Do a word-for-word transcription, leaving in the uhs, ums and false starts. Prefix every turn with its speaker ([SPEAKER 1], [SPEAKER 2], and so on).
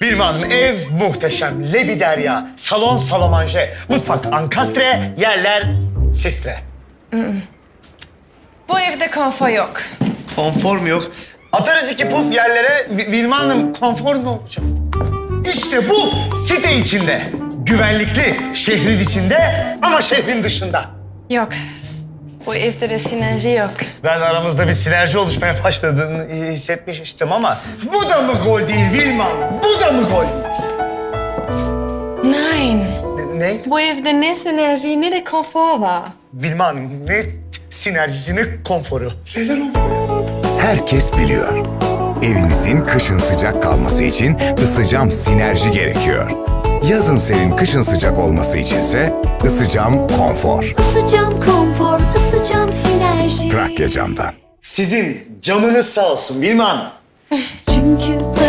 [SPEAKER 1] Vilma Hanım, ev muhteşem. Lebiderya, salon salamanje, mutfak ankastre, yerler sistre.
[SPEAKER 2] Bu evde konfor yok.
[SPEAKER 1] Konfor mu yok? Atarız iki puf yerlere. Vi- Vilma Hanım, konfor mu olacak? İşte bu site içinde. Güvenlikli, şehrin içinde ama şehrin dışında.
[SPEAKER 2] Yok. Bu evde de sinerji yok.
[SPEAKER 1] Ben aramızda bir sinerji oluşmaya başladığını hissetmiştim ama... Bu da mı gol değil Vilma Hanım? Bu da mı gol değil?
[SPEAKER 2] Nein.
[SPEAKER 1] Ne, neydi?
[SPEAKER 2] Bu evde ne sinerji ne de konfor var.
[SPEAKER 1] Vilma Hanım, ne sinerjisi, ne konforu? Neler oldu?
[SPEAKER 3] Herkes biliyor. Evinizin kışın sıcak kalması için ısıcam sinerji gerekiyor. Yazın serin, kışın sıcak olması içinse ısıcam konfor.
[SPEAKER 4] Isıcam konfor, ısıcam sinerji.
[SPEAKER 3] Trakya Cam'dan.
[SPEAKER 1] Sizin camınız sağ olsun Vilma Hanım.
[SPEAKER 4] Çünkü